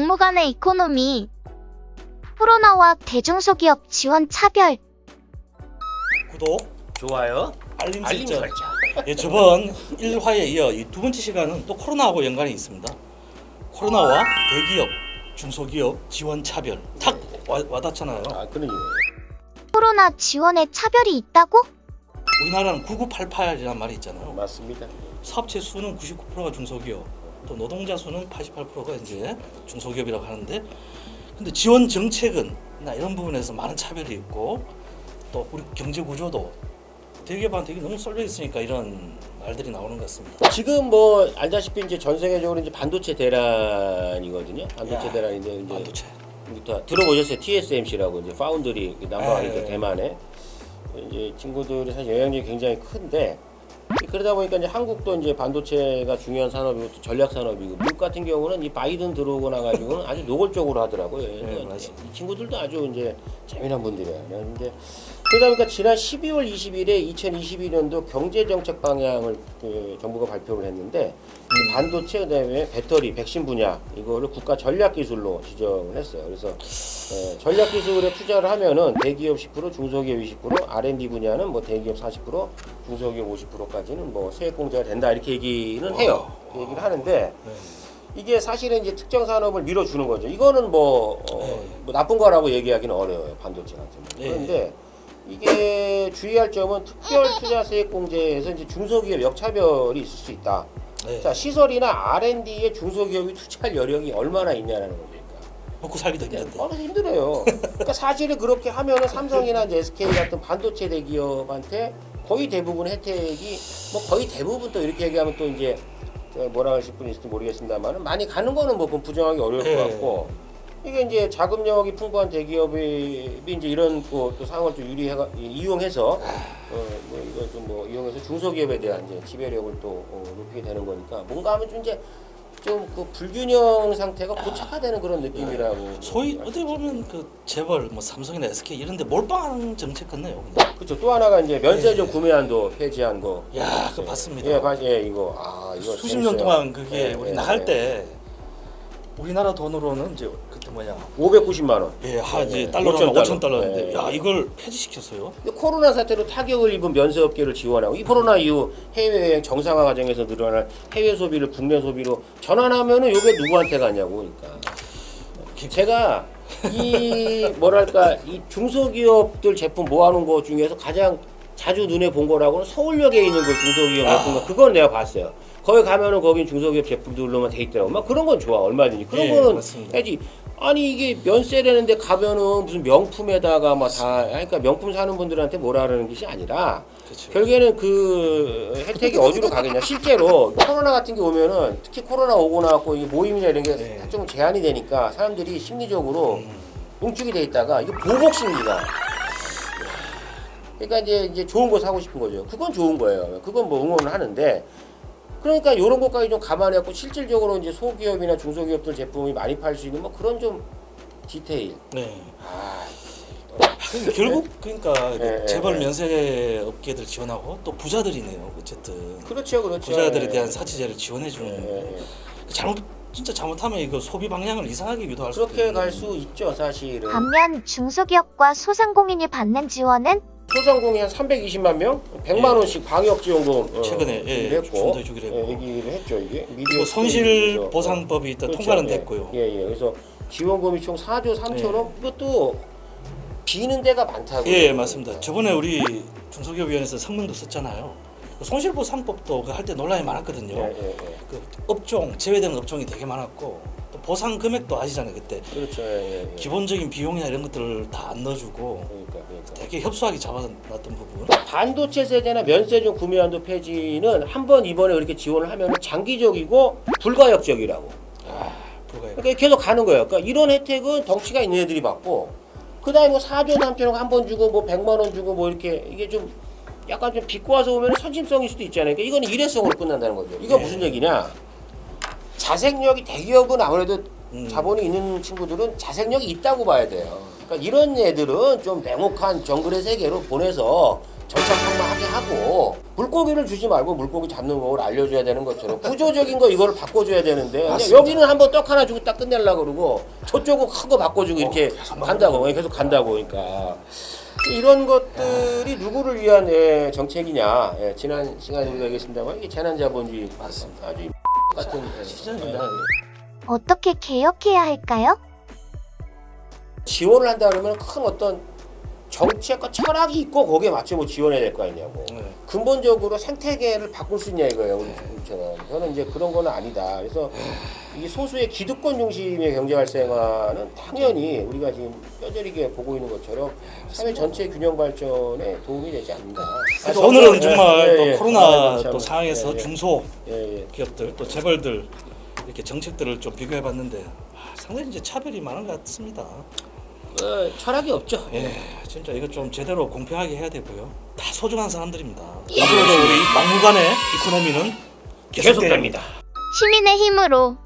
막무가내 이코노미, 코로나와 대중소기업 지원 차별. 구독, 좋아요. 알림 알림 설정. 설정. 예, 저번 1화에 이어 이 두 번째 시간은 또 코로나하고 연관이 있습니다. 코로나와 대기업, 중소기업 지원 차별. 탁 와닿잖아요. 아, 그러니. 코로나 지원에 차별이 있다고? 우리나라는 9988이라는 말이 있잖아요. 맞습니다. 사업체 수는 99%가 중소기업, 또 노동자 수는 88%가 이제 중소기업이라고 하는데, 근데 지원 정책은 이런 부분에서 많은 차별이 있고, 또 우리 경제 구조도 대기업한테 이게 너무 쏠려 있으니까 이런 말들이 나오는 것 같습니다. 지금 뭐 알다시피 이제 전 세계적으로 이제 반도체 대란이거든요. 반도체 야, 대란인데 이제 반도체. 들어보셨어요? TSMC라고 이제 파운드리 남방이죠, 네. 대만에. 이제 친구들이 사실 영향력이 굉장히 큰데, 그러다 보니까 이제 한국도 이제 반도체가 중요한 산업이고 또 전략 산업이고, 미국 같은 경우는 이 바이든 들어오고 나가지고는 아주 노골적으로 하더라고요. 네, 맞아요. 이 친구들도 아주 이제 재미난 분들이에요. 근데 그러다 보니까 지난 12월 20일에 2022년도 경제정책 방향을 정부가 발표를 했는데, 이 반도체 그다음에 배터리, 백신 분야 이거를 국가 전략 기술로 지정을 했어요. 그래서 전략 기술에 투자를 하면은 대기업 10%, 중소기업 20%, R&D 분야는 뭐 대기업 40%, 중소기업 50%까지는 뭐 세액 공제가 된다 이렇게 얘기는 해요. 그 얘기를 하는데. 네. 이게 사실은 이제 특정 산업을 밀어주는 거죠. 이거는 뭐 나쁜 거라고 얘기하기는 어려워요, 반도체 같은 경우. 네. 그런데 이게 주의할 점은 특별 투자 세액 공제에서 이제 중소기업 역차별이 있을 수 있다. 네. 자, 시설이나 R&D에 중소기업이 투자할 여력이 얼마나 있냐라는 겁니까? 먹고 살기도 힘든데. 얼마나 힘들어요. 그러니까 사실은 그렇게 하면은 삼성이나 이제 SK 같은 반도체 대기업한테 거의 대부분 혜택이 뭐 거의 대부분 또 이렇게 얘기하면 또 이제 뭐라 하실 분이 있을지 모르겠습니다만은 많이 가는 거는 뭐 부정하기 어려울 것 같고, 이게 이제 자금력이 풍부한 대기업이 이제 이런 또 상황을 좀 이용해서 뭐 이걸 좀 뭐 이용해서 중소기업에 대한 이제 지배력을 또 높이게 되는 거니까 뭔가 하면 좀 이제 좀 그 불균형 상태가 고착화되는 그런 느낌이라고. 소위 어떻게 보면 그 재벌, 뭐 삼성이나 SK 이런데 몰빵 정책 같네요. 그냥. 그렇죠. 또 하나가 이제 면세점 구매한도 폐지한 거. 야, 그거 봤습니다. 예, 이거 이거 수십 년 재밌어요. 동안 그게 예, 우리 예, 나갈 예. 때 우리나라 돈으로는 이제 그때 뭐냐, 590만 원. 예, 이제 예, 달러로 5,000 5,000달러인데, 예, 야, 예. 이걸 폐지시켰어요. 근데 코로나 사태로 타격을 입은 면세업계를 지원하고, 이 코로나 이후 해외여행 정상화 과정에서 늘어난 해외 소비를 국내 소비로 전환하면은 이게 누구한테 가냐고. 그러니까 제가 이 뭐랄까 이 중소기업들 제품 모아놓은 것 중에서 가장 자주 눈에 본 거라고는 서울역에 있는 그 중소기업 제품 거, 그건 내가 봤어요. 거기 가면은 거긴 중소기업 제품들로만 돼 있더라고. 막 그런 건 좋아, 얼마든지 그런 예, 거는 맞습니다. 해야지. 아니 이게 면세라는데 가면은 무슨 명품에다가 막 다, 그러니까 명품 사는 분들한테 뭐라 그러는 것이 아니라, 그렇죠. 결국에는 그 혜택이 어디로 가겠냐. 실제로 코로나 같은 게 오면은, 특히 코로나 오고 나고 이 모임이나 이런 게 네. 좀 제한이 되니까 사람들이 심리적으로 뭉축이 돼 있다가 이거 보복 심리가. 그러니까 이제 좋은 거 사고 싶은 거죠. 그건 좋은 거예요. 그건 뭐 응원을 하는데, 그러니까 이런 것까지 좀 감안해갖고 실질적으로 이제 소기업이나 중소기업들 제품이 많이 팔 수 있는 뭐 그런 좀 디테일. 네. 아, 근데 결국 그러니까 예, 재벌 예. 면세 업계들 지원하고 또 부자들이네요. 어쨌든 그렇죠. 부자들에 예. 대한 사치제를 지원해 주는. 예. 진짜 잘못하면 이거 소비 방향을 이상하게 유도할 수 그렇게 갈 수 있죠, 사실은. 반면 중소기업과 소상공인이 받는 지원은 소상공인 한 320만 명, 100만 원씩 방역 지원금 최근에, 준비를 했고, 좀더 주기로 했고. 얘기를 했죠, 이게. 그리고 손실 보상법이 일단 통과는 됐고요. 그래서 지원금이 총 4조 3천억. 예. 이것도 비는 데가 많다고. 예, 맞습니다. 저번에 우리 중소기업위원회에서 성명도 썼잖아요. 손실보상법도 할 때 논란이 많았거든요. 예. 그 업종 제외되는 업종이 되게 많았고, 또 보상 금액도 아시잖아요. 그때 그렇죠. 예. 기본적인 비용이나 이런 것들을 다 안 넣어주고 그러니까. 되게 협소하게 잡아놨던 부분. 반도체 세제나 면세점 구매한도 폐지는 한 번 이번에 그렇게 지원을 하면 장기적이고 불가역적이라고. 불가요. 그러니까 계속 가는 거예요. 그러니까 이런 혜택은 덩치가 있는 애들이 받고, 그다음에 뭐 4조 3천억 한 번 주고 뭐 100만 원 주고 뭐 이렇게, 이게 좀 약간 좀 비꼬 와서 오면 선심성일 수도 있잖아요. 그러니까 이거는 일회성으로 끝난다는 거죠. 이거 무슨 얘기냐? 자생력이, 대기업은 아무래도 자본이 있는 친구들은 자생력이 있다고 봐야 돼요. 그러니까 이런 애들은 좀 냉혹한 정글의 세계로 보내서 정착하게 하고 물고기를 주지 말고 물고기 잡는 법을 알려줘야 되는 것처럼 구조적인 거 이거를 바꿔줘야 되는데 그냥 맞습니다. 여기는 한번 떡 하나 주고 딱 끝내려고 그러고 저쪽은 큰 거 바꿔주고 이렇게 간다고 계속 간다고 그러니까 이런 것들이 누구를 위한 정책이냐 지난 시간에 우리가 얘기했습니다만 이게 재난자본주의 맞습니다. 아주 같은 시장입니다. 어떻게 개혁해야 할까요? 지원을 한다 그러면 큰 어떤 정책과 철학이 있고 거기에 맞춰 뭐 지원해야 될 거 아니냐고. 네. 근본적으로 생태계를 바꿀 수 있냐 이거예요. 우리처럼. 저는 이제 그런 거는 아니다. 그래서 이 소수의 기득권 중심의 경제 활성화는 당연히 우리가 지금 뼈저리게 보고 있는 것처럼 사회 전체 균형 발전에 도움이 되지 않는다. 그래서 오늘은 정말 예, 또 예. 코로나 참, 또 상황에서 예, 예. 중소 예, 예. 기업들 또 재벌들 이렇게 정책들을 좀 비교해봤는데 상당히 이제 차별이 많은 것 같습니다. 철학이 없죠. 예, 진짜 이거 좀 제대로 공평하게 해야 되고요. 다 소중한 사람들입니다. 앞으로도 우리 막무가내 이코노미는 계속됩니다. 시민의 힘으로